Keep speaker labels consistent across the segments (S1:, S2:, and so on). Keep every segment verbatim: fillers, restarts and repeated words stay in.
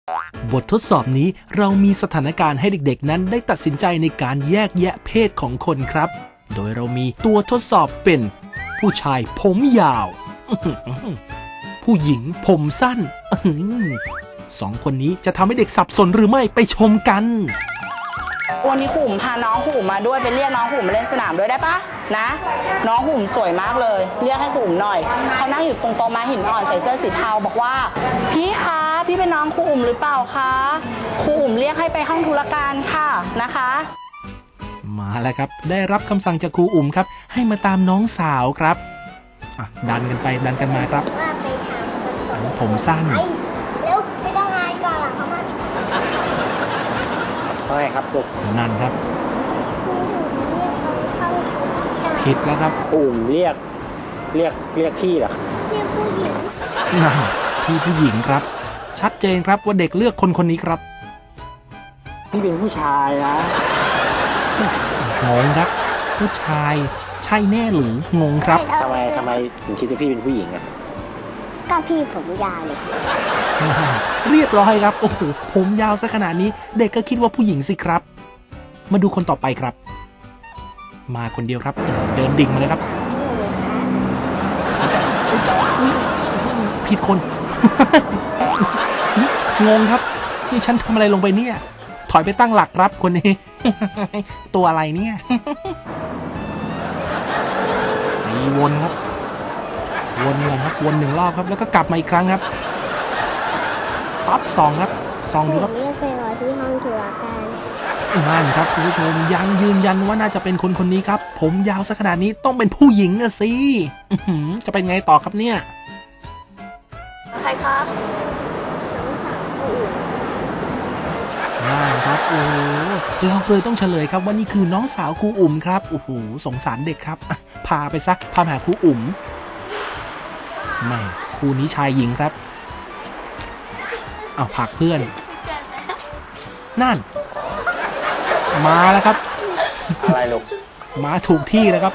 S1: บททดสอบนี้เรามีสถานการณ์ให้เด็กๆนั้นได้ตัดสินใจในการแยกแยะเพศของคนครับโดยเรามีตัวทดสอบเป็นผู้ชายผมยาวผู้หญิงผมสั้นสองคนนี้จะทำให้เด็กสับสนหรือไม่ไปชมกัน
S2: วันนี้ขุ่มพาน้องขุ่มมาด้วยไปเรียกน้องขุ่มมาเล่นสนามด้วยได้ปะนะน้องขุ่มสวยมากเลยเรียกให้ขุ่มหน่อยเขานั่งอยู่ตรงโต๊ะม้าหินอ่อนใส่เสื้อสีเทาบอกว่าพี่คะพี่เป็นน้องขุ่มหรือเปล่าคะขุ่มเรียกให้ไปห้องธุรการค่ะนะคะ
S1: มาแล้วครับได้รับคำสั่งจากครูอุ๋มครับให้มาตามน้องสาวครับดันกันไปดันกันมาครับผมสั้น
S3: แล้วไม่ต้องอายก่อนเขามา
S4: ใช่ครับลูก
S1: นั่นครับผิดแล้วครับ
S4: อุ่มเรียกเรียกเรียกพี่เหรอ
S3: เรียกผู้หญิง
S1: นั่นพี่ผู้หญิงครับชัดเจนครับว่าเด็กเลือกคนคนนี้ครับ
S4: พี่เป็นผู้ชายนะ
S1: งงครับผู้ชายใช่แน่หรืองงครับ
S4: ทำไมทำไมถึงคิดว่าพี่เป็นผู้หญิงอ่ะ
S3: ก็พี่ผมยาวเลย
S1: เรียบร้อยครับโอ้โหผมยาวซะขนาดนี้เด็กก็คิดว่าผู้หญิงสิครับมาดูคนต่อไปครับมาคนเดียวครับเดินดิ่งมาเลยครับผิดคนงงครับนี่ฉันทำอะไรลงไปเนี่ยถอยไปตั้งหลักครับคนนี้ตัวอะไรเนี่ยมีวนครับวนเลยครับวนหนึ่งรอบครับแล้วก็กลับมาอีกครั้งครับปั๊บสองครับสองดูครับ
S3: เรียกไปรอที่ห้องธุรการ
S1: นั่นครับคุณผู้ชมยังยืนยันว่าน่าจะเป็นคนคนนี้ครับผมยาวซะขนาดนี้ต้องเป็นผู้หญิงอะสิจะเป็นไงต่อครับเนี่ย
S3: ใครครับน้องสาวผู้อื่น
S1: นั่นครับโอ้เราเลยต้องเฉลยครับว่านี่คือน้องสาวครูอุ๋มครับโอ้โหสงสารเด็กครับพาไปซะพาหาครูอุ๋มไม่คู่นี้ชายหญิงครับเอาผลักเพื่อนนั่นมาแล้วครับ
S4: อะไรลูก
S1: มาถูกที่แล้วครับ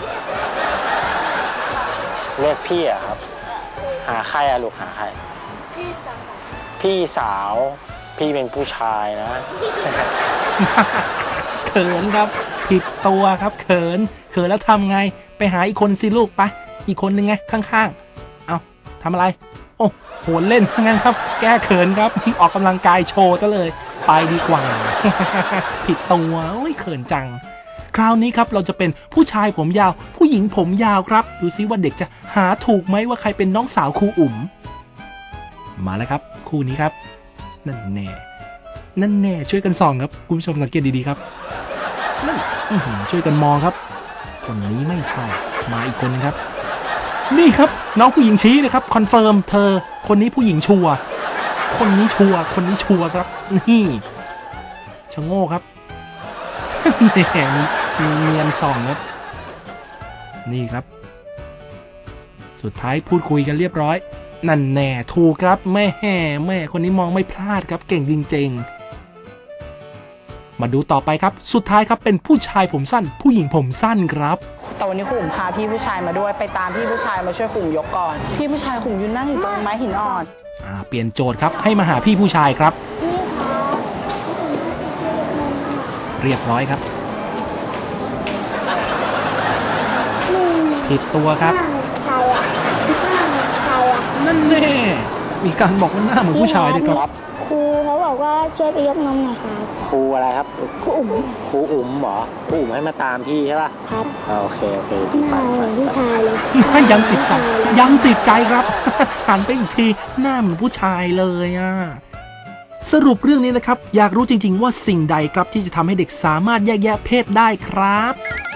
S4: เรียกพี่อะครับหาใครอะลูกหาใครพี่สาวพี่สาวพี่เป็นผู้ชายนะ
S1: เขินครับผิดตัวครับเขินเขินแล้วทำไงไปหาอีกคนสิลูกไปอีกคนนึงไงข้างๆเอาทำอะไรโอ้โหเล่นงั้นครับแก้เขินครับออกกำลังกายโชว์ซะเลยไปดีกว่าผิดตัวโอ้ยเขินจังคราวนี้ครับเราจะเป็นผู้ชายผมยาวผู้หญิงผมยาวครับดูซิว่าเด็กจะหาถูกไหมว่าใครเป็นน้องสาวครูอุ๋มมาแล้วครับคู่นี้ครับนั่นแน่นั่นแน่ช่วยกันส่องครับคุณผู้ชมสังเกตดีๆครับนั่นช่วยกันมองครับคนนี้ไม่ใช่มาอีกคนนึงครับนี่ครับน้องผู้หญิงชี้เลยครับคอนเฟิร์มเธอคนนี้ผู้หญิงชัวร์คนนี้ชัวร์คนนี้ชัวร์ครับนี่ชะโง่ครับแหมมีเนียนส่องครับนี่ครับสุดท้ายพูดคุยกันเรียบร้อยนั่นแน่ถูกครับแม่แม่คนนี้มองไม่พลาดครับเก่งจริงๆมาดูต่อไปครับสุดท้ายครับเป็นผู้ชายผมสั้นผู้หญิงผมสั้นครับ
S2: แต่วันนี้ขุ่มพาพี่ผู้ชายมาด้วยไปตามพี่ผู้ชายมาช่วยขุ่มยกก่อนพี่ผู้ชายขุ่มยืนนั่งอยู่ตรงไม้หินอ่อน
S1: อ่าเปลี่ยนโจทย์ครับให้มาหาพี่ผู้ชายครับเรียบร้อยครับผิดตัวครับนั่นแน่มีการบอกว่าหน้าเหมือนผู้ชายด้วยครับ
S3: ครูเขาบอกว่าช่วยไปยกนมหน่อยครับ
S4: ครูอะไรครับ
S3: ครูอุ๋ม
S4: ครูอุ๋มเหรอครูอุ๋มให้มาตามพี่ใช่ป่ะ
S3: ครับ
S4: โอเคโอเค
S3: หน้าเหมือนผู้ชายเลย
S1: ยังติดใจยังติดใจครับหันไปอีกทีหน้าเหมือนผู้ชายเลยอ่ะสรุปเรื่องนี้นะครับอยากรู้จริงๆว่าสิ่งใดครับที่จะทำให้เด็กสามารถแยกแยะเพศได้ครับ